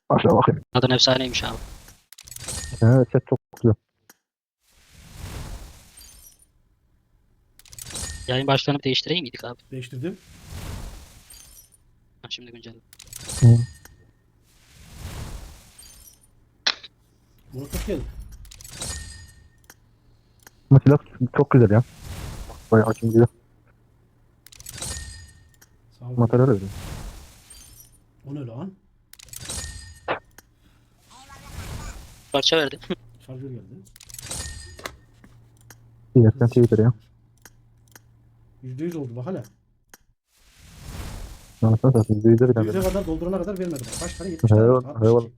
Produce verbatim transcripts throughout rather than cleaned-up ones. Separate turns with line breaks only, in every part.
Aşağı bakayım.
Adın efsaneymiş abi.
Evet, set çok güzel.
Yayın başlarını bir değiştireyim miydik abi?
Değiştirdim.
Ha, şimdi güncel.
Hı.
Murat hoş geldin.
Bu silah çok güzel ya. Bayağı açım güzel.
Sağ ol.
Materyal öyle.
O ne lan?
Parça verdi.
Şarjör geldi.
İyi, sen Twitter ya.
Yüzde yüz oldu bak hala.
Anasını satayım. Yüzde bir
Yüze
tane.
kadar doldurana kadar vermedi bak. Kaç tane? yetmiş tane var.
Eyvallah,
altmış iki.
eyvallah.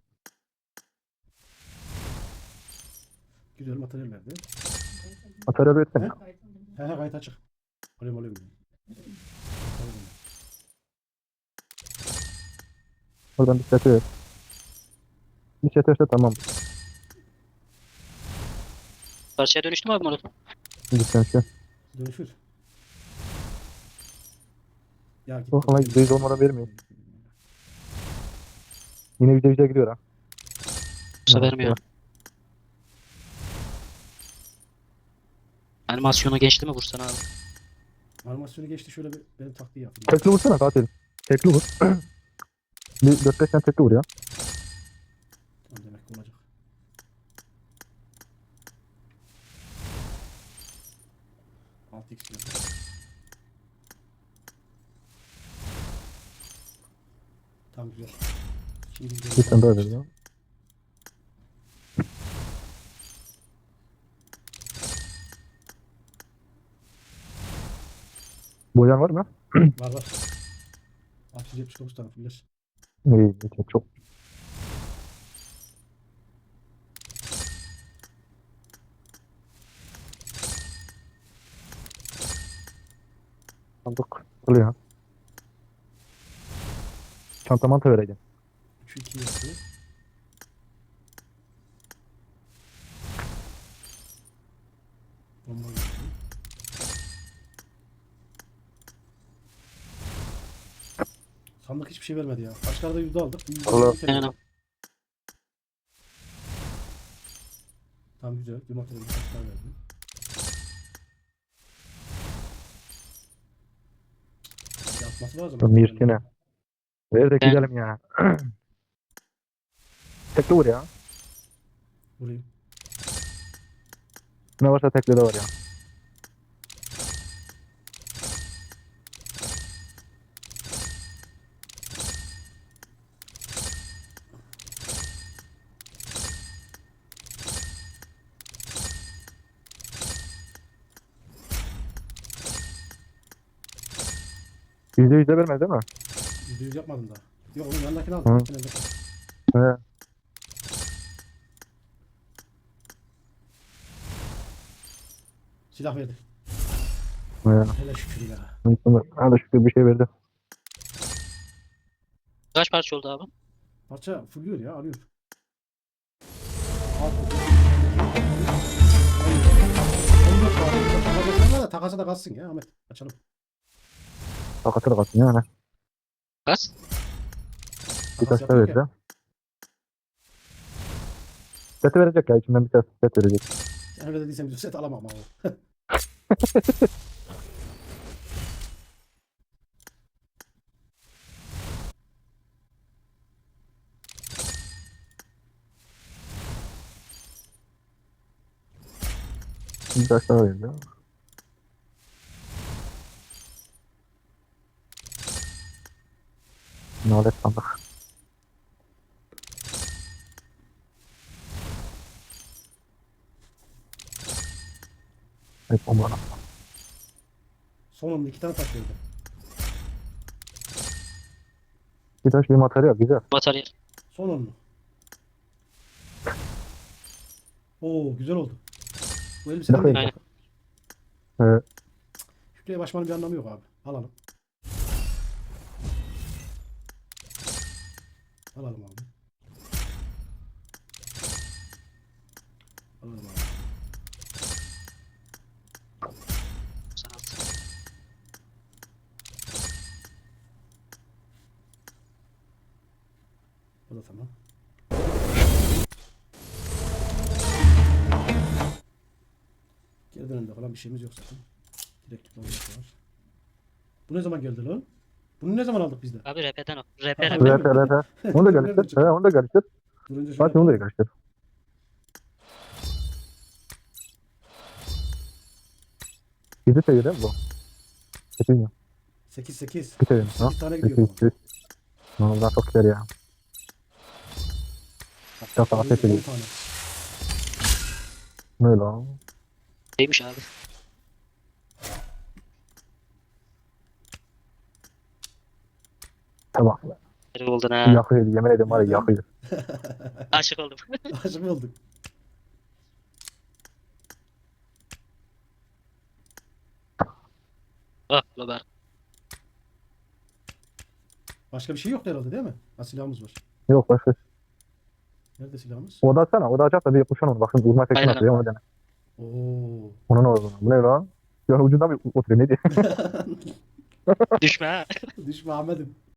Güzel materyal verdi.
Materyal
He?
üretsen.
He he kayıt açık. Alayım alayım.
Oradan bir set ver. Bir set verse tamam.
Parçaya dönüştü mü abi Murat?
Şimdi sen şey.
Dönüşür. Ya git.
Oh, ama yüzde yüz olmadan vermiyor. Yine yüzde yüze gidiyor ha.
Yoksa
Evet,
vermiyor.
evet.
Animasyonu geçti mi vursan abi?
Animasyonu geçti şöyle bir benim taktiği yaptım.
Tekli vursana katil. Tekli vur. Bir dört beş tane tekli vur ya.
Tamam demek ki olacak. altı x geldi. Tamam güzel. Şimdi
Bir tane daha ver ya. Boyan var mı?
Var var. altı yüz yetmiş dokuz tane fuller.
İyi, iyi, çok. Sandık. Oluyor. Çanta manta vereceğim.
üçü iki yaptı. Bomba geldi. Sandık hiçbir şey vermedi ya. Başlarda yüzde aldık. Yüzde
Allah.
aldık,
Aynen.
Tamam güzel. Bir materyal bir taşlar verdi. Yapması lazım.
Mirtine. Ver de
Ben-
gidelim ya. Tekli vur ya.
Vurayım.
Ne varsa tekli de var ya. Yüzde yüzde vermez değil mi?
Yüzde yüz yapmadım daha. Yok onun yanındakini aldım.
Hı.
Yakın elde.
He.
Silah verdi.
He.
Hele şükür ya.
Hadi şükür bir şey verdi.
Kaç parça oldu abi?
Parça fulluyor ya alıyor. Alt. on dört var. Takasa da takasa da kalsın ya Ahmet. Açalım.
Takatır kalsın yani.
Kaç?
Bir
Takas
taş da
yapıyor
verdi. Seti verecek ya. İçinden bir tane set verecek.
Sen öyle dediysen bir set alamam ama.
Bir taş daha verdi. Nalet sandık. Evet, bomba.
Sonunda iki tane taş verdi.
Bir taş bir materyal güzel.
Materyal.
Son onlu. Oo güzel oldu. Bu elbiseden
Bakayım.
değil.
Aynen.
Ee,
Şükrü'ye başmanın bir anlamı yok abi. Alalım. Alalım abi. Alalım abi.
Sanat.
Bu da tamam. Perde önünde falan bir şeyimiz yok zaten. Direkt tutmamız var. Bu ne zaman geldi lan? Bunu ne zaman aldık biz de?
Abi R P'den o. R P
Ha,
R P.
öyle mi?
R P R P. Onu da karıştır. He onu da karıştır.
Durunca şöyle
Fatih onu da
yapalım.
karıştır. Yedi seviye değil mi bu? Sekiz mi?
sekiz sekiz.
İki seviye mi? Ha?
sekiz tane gidiyor
Sekiz.
baba.
sekiz. Ne oldu lan çok güzel ya. Çok daha ses
on
ediyor.
tane.
Ne lan?
Neymiş abi?
Tamam.
Nereye oldun ha?
Yakıyor. Yemin ederim var ya
Neden?
yakıyor.
Aşık oldum.
Aşık mı olduk?
Oh Lober.
Başka bir şey yok herhalde değil mi? Ha, silahımız var.
Yok başka.
Nerede silahımız?
O da atsana. O da açarsa bir kuşan onu. Bak şimdi uzman tekini
Aynen
atıyor. Onu dene.
Oo.
Ona ne oldu? Bu ne lan? Yani ucundan bir oturuyor. Ne diyor?
Düşme ha.
Düşme Ahmet'im.